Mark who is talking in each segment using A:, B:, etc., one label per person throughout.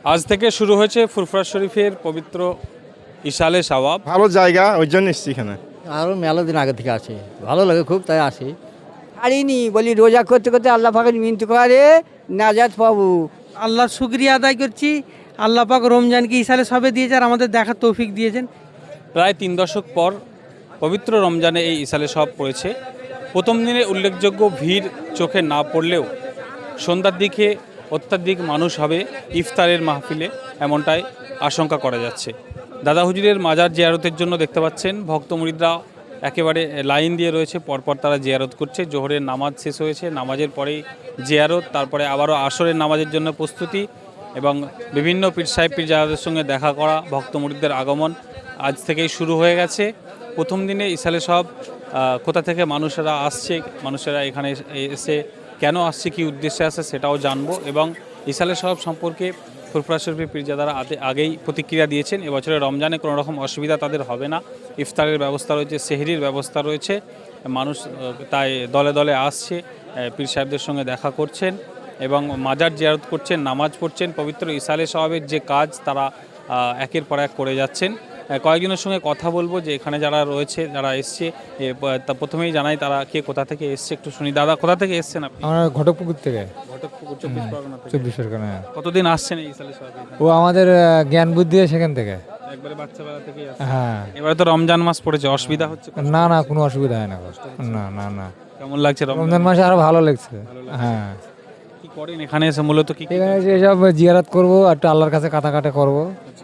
A: আজ থেকে শুরু হয়েছে ফুরফুরা শরীফের পবিত্র ইশালে সাওয়াব।
B: ভালো জায়গা, ওই জন্য এসছি এখানে।
C: আরও মেলা দিন আগে থেকে আসি, ভালো লাগে খুব, তাই আসি। ছাড়িনি বলি রোজা করতে করতে আল্লাহ পাকের মিনতি করে নাজাত পাবো।
D: আল্লাহর শুকরিয়া আদায় করছি। আল্লাহ পাক রমজানকে ইসালে সবে দিয়েছে আর আমাদের দেখার তৌফিক দিয়েছেন।
A: প্রায় 3 দশক পর পবিত্র রমজানে এই ইশালে সাওয়াব পড়েছে। প্রথম দিনে উল্লেখযোগ্য ভিড় চোখে না পড়লেও সন্ধ্যার দিকে অত্যাধিক মানুষ হবে ইফতারের মাহফিলে, এমনটাই আশঙ্কা করা যাচ্ছে। দাদা হুজুরের মাজার জিয়ারতের জন্য দেখতে পাচ্ছেন ভক্ত মুরিদরা একেবারে লাইন দিয়ে রয়েছে, পরপর তারা জিয়ারত করছে। জোহরের নামাজ শেষ হয়েছে, নামাজের পরেই জিয়ারত, তারপরে আবারও আসরের নামাজের জন্য প্রস্তুতি এবং বিভিন্ন পীর সাহেব পীরজাদাদের সঙ্গে দেখা করা। ভক্ত মুরিদদের আগমন আজ থেকেই শুরু হয়ে গেছে। প্রথম দিনে ইশালে সাওয়াব কোথা থেকে মানুষেরা এখানে এসে কেন আসছে, কী উদ্দেশ্যে আসে সেটাও জানবো এবং ইশালে সাওয়াব সম্পর্কে ফুরফুরা শরীফের পীরজাদারা আগেই প্রতিক্রিয়া দিয়েছেন। এবছরের রমজানে কোনো রকম অসুবিধা তাদের হবে না। ইফতারের ব্যবস্থা রয়েছে, সেহরির ব্যবস্থা রয়েছে। মানুষ তাই দলে দলে আসছে, পীর সাহেবদের সঙ্গে দেখা করছেন এবং মাজার জিয়ারত করছেন, নামাজ পড়ছেন। পবিত্র ইশালে সাওয়াবের যে কাজ তারা একের পর এক করে যাচ্ছেন। কয়েকজনের সঙ্গে কথা বলবো যে এখানে যারা রয়েছে, যারা এসছে, তা প্রথমেই জানাই তারা কে কোথা থেকে এসছে একটু শুনি। দাদা, কোথা থেকে এসছেন আপনি?
E: আমরা ঘটকপুকুর থেকে।
A: ঘটকপুকুর, 24 পরগনা থেকে।
E: 24 পরগনা।
A: কতদিন আসছেন এই ইশালে সাওয়াবে?
E: ও আমাদের জ্ঞান বুদ্ধি সেখান থেকে।
A: একবারে বাচ্চাবেলা থেকেই আসছেন?
E: হ্যাঁ।
A: এবারে তো রমজান মাস পড়েছে, অসুবিধা হচ্ছে?
E: না না, কোনো অসুবিধা হয় না। না না না।
A: কেমন লাগছে
E: রমজান মাসে আরো ভালো লাগছে। হ্যাঁ।
A: কি করেন এখানে এসে মূলত? কি
E: এখানে এসে এসব জিয়ারত করবো, একটু আল্লাহর কাছে কাটাকাটা করবো।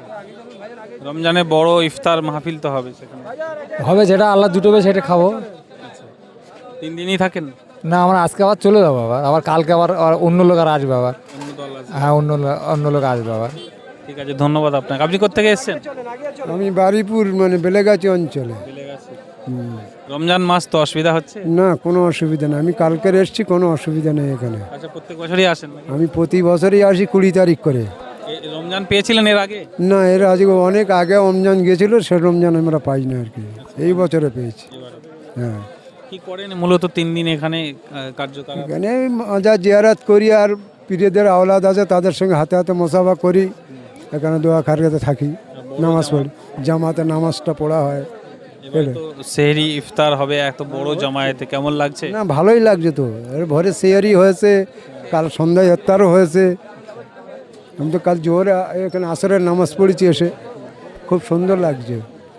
A: রমজানে বড় ইফতার মাহফিল তো হবে সেখানে?
E: হবে, যেটা আল্লাহ জুটবে সেটা খাবো।
A: 3 দিনই থাকেন?
E: না, আমরা আজকে আবার চলে যাবো, আবার কালকে আবার অন্য লোক আর আসবে আবার।
A: অন্য দল আসবে?
E: হ্যাঁ, অন্য লোক আসবে আবার।
A: ঠিক আছে, ধন্যবাদ আপনাকে। আপনি কোথেকে এসেছেন?
F: আমি বারিপুর বেলেগাছি অঞ্চলে।
A: রমজান মাস তো, অসুবিধা হচ্ছে?
F: না, কোনো অসুবিধা নেই, আমি কালকের এসছি, কোনো অসুবিধা নেই এখানে।
A: আচ্ছা, প্রত্যেক বছরই আসেন নাকি?
F: আমি প্রতি বছরই আসি 20 তারিখ করে।
A: রমজান পেয়েছিলেন এর আগে?
F: না, এর আজকে অনেক আগে রমজান গেছিল, সে রমজান আমরা পাই না আর কি, এই বছরে পেয়েছি। হ্যাঁ।
A: কি করেন মূলত 3 দিন এখানে কার্যকলাপ?
F: এখানে মাজার জিয়ারত করি আর পীরদের আওলাদ আছে তাদের সঙ্গে হাতে হাতে মোসাফা করি, এখানে দোয়া খারগাতে থাকি, নামাজ পড়ি, জামাতে নামাজটা পড়া হয়।
A: এবার তো সেহরি ইফতার হবে এত বড় জামায়াতে, কেমন লাগছে?
F: না, ভালোই লাগছে তো। এর ভোরে সেয়ারি হয়েছে, কাল সন্ধ্যায় ইফতারও হয়েছে। আমি তো কাল জোহরে এখানে আসরের নামাজ পড়েছি, এসে খুব সুন্দর লাগছে।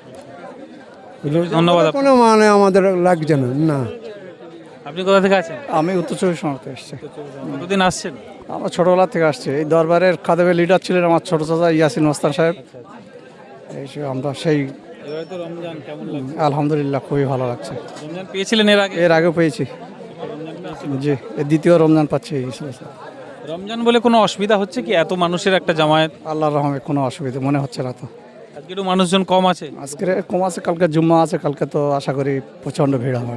A: ধন্যবাদ।
F: কোনো মানে আমাদের লাগছে না। না।
A: আপনি কোথা থেকে আছেন?
G: আমি উত্তর 24 পরগনা থেকে এসেছি।
A: কতদিন আসছেন?
G: আমরা ছোটোবেলা থেকে আসছি। এই দরবারের খাদেমের লিডার ছিলেন আমার ছোট চাচা ইয়াসিন মাস্তান সাহেব। এই সে আমরা সেই
A: এবারে তো রমজান, কেমন লাগছে?
G: আলহামদুলিল্লাহ, খুবই ভালো লাগছে।
A: রমজান পেয়েছিলেন এর আগে?
G: এর আগেও পেয়েছি। জি, এর দ্বিতীয় রমজান পাচ্ছি।
A: রমজান বলে কোনো অসুবিধা হচ্ছে কি? এত মানুষের একটা জামায়াত।
G: আল্লাহর রহমে কোনো অসুবিধা মনে হচ্ছে না তো।
A: আজকে একটু মানুষজন কম আছে?
G: আজকে কম আছে, কালকে জুম্মা আছে, কালকে তো আশা করি প্রচণ্ড ভিড় হবে।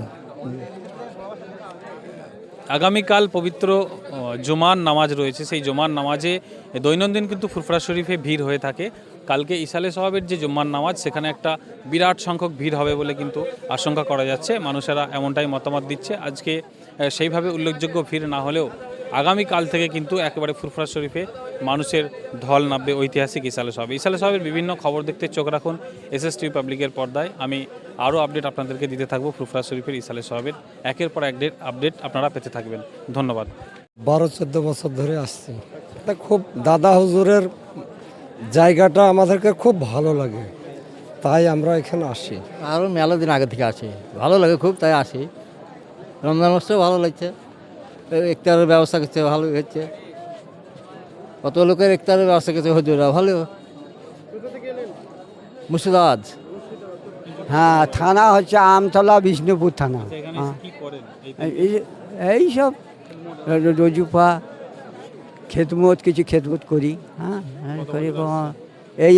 A: আগামীকাল পবিত্র জুমার নামাজ রয়েছে। সেই জুমার নামাজে দৈনন্দিন কিন্তু ফুরফুরা শরীফে ভিড় হয়ে থাকে। কালকে ইশালে সাওয়াবের যে জুম্মার নামাজ, সেখানে একটা বিরাট সংখ্যক ভিড় হবে বলে কিন্তু আশঙ্কা করা যাচ্ছে। মানুষেরা এমনটাই মতামত দিচ্ছে। আজকে সেইভাবে উল্লেখযোগ্য ভিড় না হলেও আগামীকাল থেকে কিন্তু একেবারে ফুরফুরা শরীফে মানুষের ঢল নামবে ঐতিহাসিক ইশালে সাওয়াবে। ইশালে সাওয়াবের বিভিন্ন খবর দেখতে চোখ রাখুন SSTV পাবলিকের পর্দায়। আমি আরও আপডেট আপনাদেরকে দিতে থাকবো ফুরফুরা শরীফের ইশালে সাওয়াবের। একের পর এক আপডেট আপনারা পেতে থাকবেন। ধন্যবাদ।
H: 12-14 বছর ধরে আসছি। খুব দাদা হুজুরের জায়গাটা আমাদেরকে খুব ভালো লাগে, তাই আমরা এখানে আসি।
C: আরও মেলা দিন আগে থেকে আসি, ভালো লাগে খুব, তাই আসি। রমজান মাসটাও ভালো লাগছে, ইফতারের ব্যবস্থা করছে, ভালো হচ্ছে। কত লোকের ইফতারের ব্যবস্থা করছে হুজুরা, ভালো। মুর্শিদাবাদ।
H: হ্যাঁ, থানা হচ্ছে আমতলা, বিষ্ণুপুর থানা। এই সব রজুপা খেদমত, কিছু খেদমত করি। হ্যাঁ, করি। এই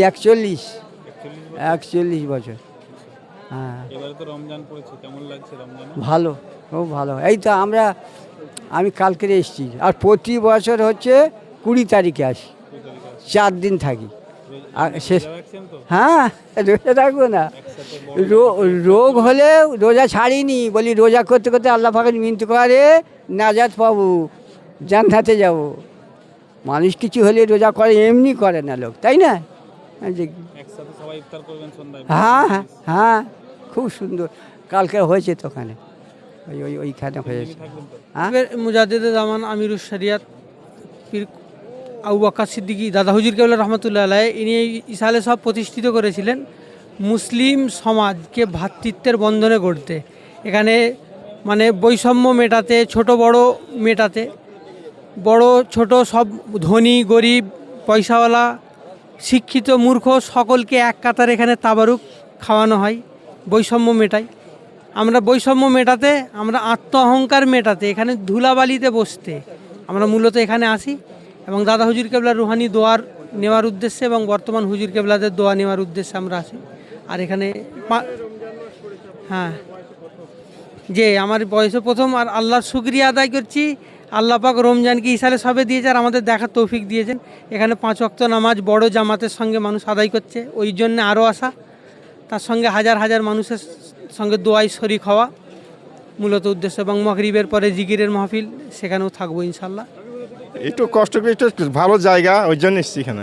H: 41 বছর। হ্যাঁ,
A: এবারে তো রমজান পড়েছে, কেমন লাগছে রমজান?
H: ভালো, খুব ভালো। এই তো আমি কালকে এসেছি, আর প্রতি বছর হচ্ছে 20 তারিখে আসি, 4 দিন থাকি। আর শেষ, হ্যাঁ, রোজা থাকবো না। রোগ হলে রোজা ছাড়িনি বলি রোজা করতে করতে আল্লাহ পাকের মিনতি করে নাজাত পাবো, জান্নাতে যাব। মানুষ কিছু হলে রোজা করে, এমনি করে না লোক, তাই না? যে
A: একসাথে সবাই ইফতার করবেন সন্ধ্যায়।
H: হ্যাঁ হ্যাঁ হ্যাঁ, খুব সুন্দর। কালকে হয়েছে তো ওখানে, ওইখানে হয়েছে। হ্যাঁ,
D: মুজাদ্দেদে জামান আমিরুস শরিয়াত পীর আবু বকর সিদ্দিকী দাদা হুজুর কেবলা রহমতুল্লাহ আলাইহ, ইনি এই ইসালে সব প্রতিষ্ঠিত করেছিলেন মুসলিম সমাজকে ভ্রাতৃত্বের বন্ধনে গড়তে, এখানে মানে বৈষম্য মেটাতে, ছোট বড় মেটাতে, বড় ছোট সব, ধনী গরিব পয়সাওয়ালা শিক্ষিত মূর্খ সকলকে এক কাতার এখানে তাবারুক খাওয়ানো হয়, বৈষম্য মেটাই। আমরা বৈষম্য মেটাতে, আমরা আত্ম অহংকার মেটাতে, এখানে ধুলাবালিতে বসতে আমরা মূলত এখানে আসি এবং দাদা হুজুর কেবলার রুহানি দোয়ার নেওয়ার উদ্দেশ্যে এবং বর্তমান হুজুর কেবলাদের দোয়া নেওয়ার উদ্দেশ্যে আমরা আসি। আর এখানে হ্যাঁ, যে আমার বয়সে প্রথম, আর আল্লাহর শুকরিয়া আদায় করছি, আল্লাহ পাক রমজানকে ইসালে সবে দিয়েছে আর আমাদের দেখার তৌফিক দিয়েছেন। এখানে 5 ওয়াক্ত নামাজ বড় জামাতের সঙ্গে মানুষ আদায় করছে, ওই জন্য আরও আসা, তার সঙ্গে হাজার হাজার মানুষের সঙ্গে দোয়ায় শরিক হওয়া মূলত উদ্দেশ্য, এবং মাগরিবের পরে জিকিরের মাহফিল, সেখানেও থাকবো ইনশাল্লাহ।
B: একটু কষ্ট করে, একটু ভালো জায়গা, ওই জন্য এসছি এখানে।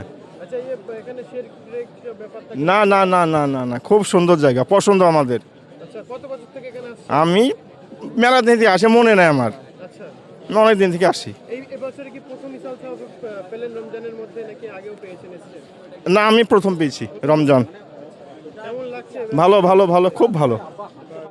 B: না না না না না না, খুব সুন্দর জায়গা, পছন্দ আমাদের। আমি মেলা দিন থেকে আসি, মনে নাই আমার, অনেক দিন থেকে আসি। না, আমি প্রথম পেয়েছি রমজান। ভালো ভালো ভালো, খুব ভালো।